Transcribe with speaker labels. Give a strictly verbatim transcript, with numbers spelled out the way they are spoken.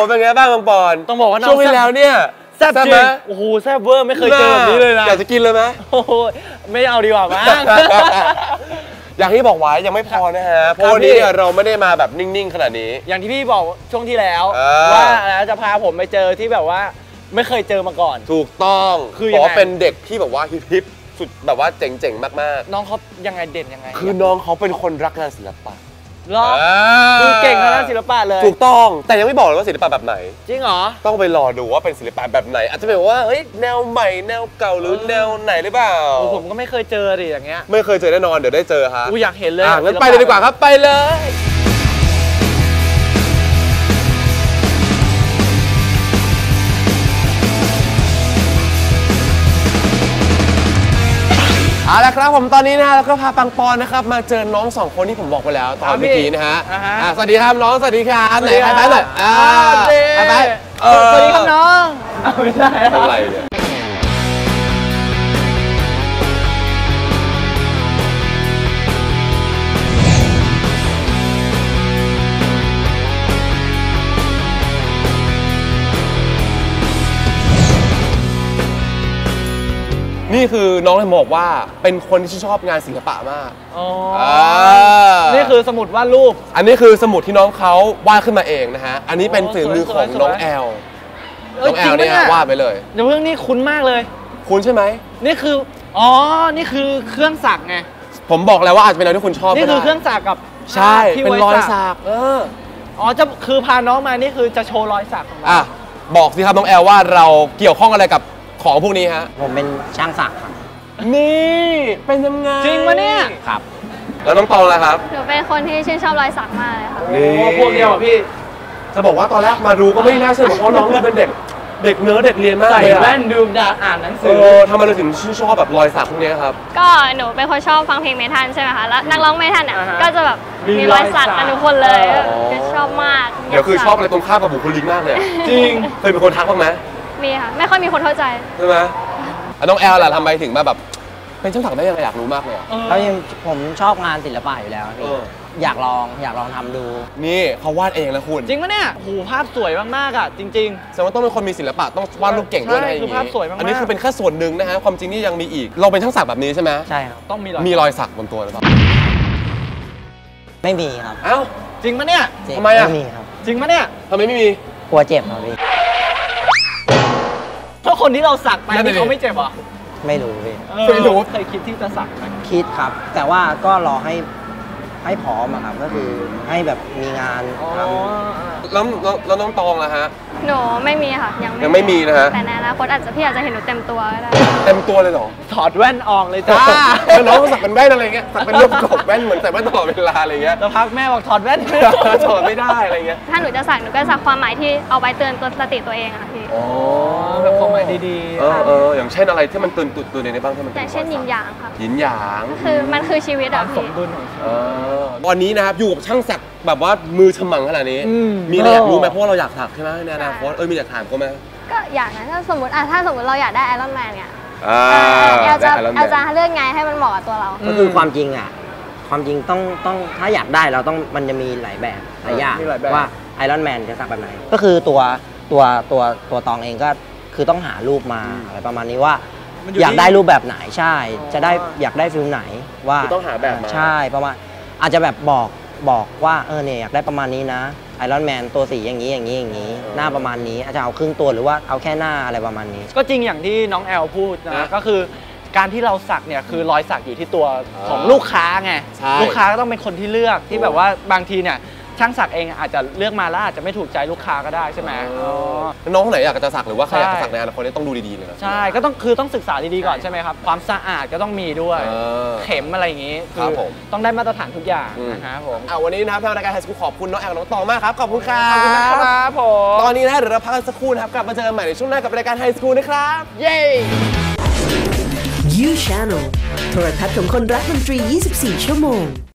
Speaker 1: เป็นไงบ้างบางปอน
Speaker 2: ต้องบอกว่า
Speaker 1: ช่วงที่แล้วเนี่ย
Speaker 2: แซ่บจริงโอ้โหแซ่บเวอร์ไม่เคยเจอแบบนี้เลยนะ
Speaker 1: อยากจะกินเลยไหม
Speaker 2: โอ้โหไม่เอาดีกว่ามั้ง
Speaker 1: อย่างที่บอกไว้ยังไม่พอนะฮะเพราะวันนี้เราไม่ได้มาแบบนิ่งๆขนาดนี้
Speaker 2: อย่างที่พี่บอกช่วงที่แล้วว่าจะพาผมไปเจอที่แบบว่าไม่เคยเจอมาก่อน
Speaker 1: ถูกต้องคือยังไงเป็นเด็กที่แบบว่าฮิปๆสุดแบบว่าเจ๋งๆมาก
Speaker 2: ๆน้องเขายังไงเด่นยังไง
Speaker 1: คือน้องเขาเป็นคนรักงานศิลปะ
Speaker 2: หรอคือเก่งทางด้านศิลปะเลย
Speaker 1: ถูกต้องแต่ยังไม่บอกเลยว่าศิลปะแบบไหน
Speaker 2: จริงเหรอ
Speaker 1: ต้องไปรอดูว่าเป็นศิลปะแบบไหนอาจจะเป็นว่าเฮ้ยแนวใหม่แนวเก่าหรือแนวไหนหรือเปล่า
Speaker 2: ผมก็ไม่เคยเจอดิอย่างเงี้ย
Speaker 1: ไม่เคยเจอแน่นอนเดี๋ยวได้เจอฮะ
Speaker 2: กูอยากเห็นเลย
Speaker 1: งั้นไปเลยดีกว่าครับไปเลยเอาละครับผมตอนนี้นะฮะแล้วก็พาปังปอนนะครับมาเจอน้องสองคนที่ผมบอกไปแล้วตอนเมื่อกี้นะฮะสวัสดีครับน้องสวัสดีครับไหนใครไปหน่อยไปไป
Speaker 2: สวัสดีครับน้องไม่ได้
Speaker 1: อะไรเนี่ยนี่คือน้องเลยบอกว่าเป็นคนที่ชอบงานศิลปะมาก
Speaker 2: อ๋อนี่คือสมุดวาดรูป
Speaker 1: อันนี้คือสมุดที่น้องเขาวาดขึ้นมาเองนะฮะอันนี้เป็นฝีมือของน้องแอลน้องแอลเนี่ยวาดไปเลย
Speaker 2: เดี๋ยวเรื่องนี้คุ้นมากเลย
Speaker 1: คุ้นใช่ไหม
Speaker 2: นี่คืออ๋อนี่คือเครื่องสักไง
Speaker 1: ผมบอกแล้วว่าอาจจะเป็นอะไรที่คุณชอบ
Speaker 2: นี่คือเครื่องสักกับ
Speaker 1: ใช่เป็นรอยสักเออ
Speaker 2: อ๋อจะคือพาน้องมานี่คือจะโชว์รอยสักของเรา
Speaker 1: อ่ะบอกสิครับน้องแอลว่าเราเกี่ยวข้องอะไรกับของพวกนี้ฮะ
Speaker 3: ผมเป็นช่างสักครับ
Speaker 1: นี่เป็นยังไง
Speaker 2: จริงปะเนี่ย
Speaker 3: ครับ
Speaker 1: แล้วน้องตองล่ะครับ
Speaker 4: หนูเป็นคนที่ชื่นชอบรอยสักมากเลยค่ะ
Speaker 1: นี่
Speaker 2: พวกเดียวอ่ะพี่
Speaker 1: จะบอกว่าตอนแรกมาดูก็ไม่น่าเชื่อเพราะน้องเป็นเด็กเด็กเนื้อเด็กเรียนมาก
Speaker 2: ใส่แว่นดูดาอ่านหนังสือ
Speaker 1: ทำไมเราถึงชื่นชอบแบบรอยสักพวกนี้ครับ
Speaker 4: ก็หนูเป็นคนชอบฟังเพลงเมทัลใช่ไหมคะแล้วนักร้องเมทัลเนี่ยก็จะแบบมีรอยสักกันทุกคนเลยชอบมาก
Speaker 1: เดี๋ยวคือชอบอะไรตรงข้ามกับบุคลิกมากเลย
Speaker 2: จริง
Speaker 4: เค
Speaker 1: ยเป็นคนทักบ้างไหม
Speaker 4: มีค่ะไม่ค่อยมีคนเข้าใจ
Speaker 1: ใช่ไหมน้องแอลล่ะทำไมถึงมาแบบเป็นช่างสักได้ยังไงอยากรู้มากเลย
Speaker 3: แล้วยังผมชอบงานศิลปะอยู่แล้วพี่อยากลองอยากลองทำดู
Speaker 1: นี่เขาวาดเองแล้วคุณ
Speaker 2: จริงปะเนี่ยโหภาพสวยมากๆอ่ะจริง
Speaker 1: ๆแสดงว่าต้องเป็นคนมีศิลปะต้องวาดรูปเก่งด้วยนะ
Speaker 2: คือภาพสวยมาก
Speaker 1: อันนี้คือเป็นแค่ส่วนหนึ่งนะฮะความจริงนี่ยังมีอีกเราเป็นช่างสักแบบนี้ใช่ไหม
Speaker 3: ใช่ครับ
Speaker 2: ต้องมี
Speaker 1: มีรอยสักบนตัวหรือเปล่า
Speaker 3: ไม่มีครับ
Speaker 1: เอ้า
Speaker 2: จริงปะเนี่ย
Speaker 1: ทำไมอ่ะ
Speaker 3: ไม่มีครับ
Speaker 2: จริงปะเนี่ย
Speaker 1: ทำไมไม่มี
Speaker 3: กลัวเจ็บครับพี่
Speaker 2: ถ้าคนที่เราสักไปนี่เขาไม่เจ็บหรอ
Speaker 3: ไม่รู้พี่
Speaker 2: ไม่รู้เคยคิดที่จะสักไหม
Speaker 3: คิดครับแต่ว่าก็รอให้ให้พร้อมอะครับก็คือให้แบบมีงานท
Speaker 1: ำแล้วแล้วน้องตองล่ะฮะ
Speaker 4: หนูไม่มีค่ะยัง
Speaker 1: ยังไม่มีนะฮะ
Speaker 4: แต่ในอนาคตอาจจะพี่อาจจะเห็นหนูเต็มตัวก็ได้
Speaker 1: เต็มตัวเลยเหรอ
Speaker 2: ถอดแว่นออกเลยจ้า
Speaker 1: แล้วน้องสักเป็นแว่นอะไรเงี้ยสักเป็นรูปกบแว่นเหมือนใส่แว่นตลอดเวลาอะไรเงี้ย
Speaker 2: แล้วพักแม่บอกถอดแว่น
Speaker 1: ถอดไม่ได้อะไรเงี้ย
Speaker 4: ถ้าหนูจะสักหนูก็สักความหมายที่เอาไว้เตือนตัวสติตัวเองค่ะพี่
Speaker 1: อ๋อ
Speaker 2: แบบความหมายดี
Speaker 1: ๆเออเอออย่างเช่นอะไรที่มันตื่นตื่นในบ้างที่มัน
Speaker 4: อย่างเช่นหยินหยางค่ะ
Speaker 1: หยินหยาง
Speaker 4: คือมันคือชีวิตอะพี่
Speaker 2: สมดุลของชีวิต
Speaker 1: วันนี้นะครับอยู่กับช่างสักแบบว่ามือฉมังขนาดนี้มีอะไรอยากรู้ไหมเพราะว่าเราอยากสักใช่ไหมในอนาคตเออมีอยากถามเขาไหม
Speaker 4: ก็อยากนะถ้าสมมติอ่ะถ้าสมมติเราอยากได้ไอรอนแมนเนี่ยแอลจะแอลจะเลือกไงให้มันเหมาะกับตัวเรา
Speaker 3: ก็คือความจริงอ่ะความจริงต้องต้องถ้าอยากได้เราต้องมันจะมีหลายแบบหลายอย่างว่าไอรอนแมนจะสักแบบไหนก็คือตัวตัวตัวตัวตองเองก็คือต้องหารูปมาอะไรประมาณนี้ว่าอยากได้รูปแบบไหนใช่จะได้อยากได้ฟิลไหนว่า
Speaker 1: ต้องหาแบบ
Speaker 3: ใช่ประมาณอาจจะแบบบอกบอกว่าเออเนี่ยอยากได้ประมาณนี้นะไอรอนแมนตัวสีอย่างนี้อย่างนี้อย่างนี้หน้าประมาณนี้อาจจะเอาครึ่งตัวหรือว่าเอาแค่หน้าอะไรประมาณนี้
Speaker 2: ก็จริงอย่างที่น้องแอลพูดนะก็คือการที่เราสักเนี่ยคือรอยสักอยู่ที่ตัวของลูกค้าไงลูกค้าก็ต้องเป็นคนที่เลือกที่แบบว่าบางทีเนี่ยช่างสักเองอาจจะเลือกมาแล้วอาจจะไม่ถูกใจลูกค้าก็ได้ใช่ไหม
Speaker 1: น้องคนไหนอยากจะสักหรือว่าใครอยากจะสักในอนาคตต้องดูดีๆเลย
Speaker 2: ใช่ก็ต้องคือต้องศึกษาดีๆก่อนใช่ไหมครับความสะอาดก็ต้องมีด้วยเข็มอะไรอย่างนี้คือต้องได้มาตรฐานทุกอย่างนะครับผม
Speaker 1: เอาวันนี้นะครับทางรายการไฮสคูลขอบคุณน้องแอลน้องตองมากครับขอบคุณครับ
Speaker 2: ขอบคุณครับผม
Speaker 1: ตอนนี้นะเดี๋ยวเราพักกันสักครู่นะครับกลับมาเจอกันใหม่ในช่วงหน้ากับรายการไฮสคูลนะครับ
Speaker 2: เย้
Speaker 5: You Channel โทรทัศน์ของคนรักดนตรียี่สิบสี่ชั่วโมง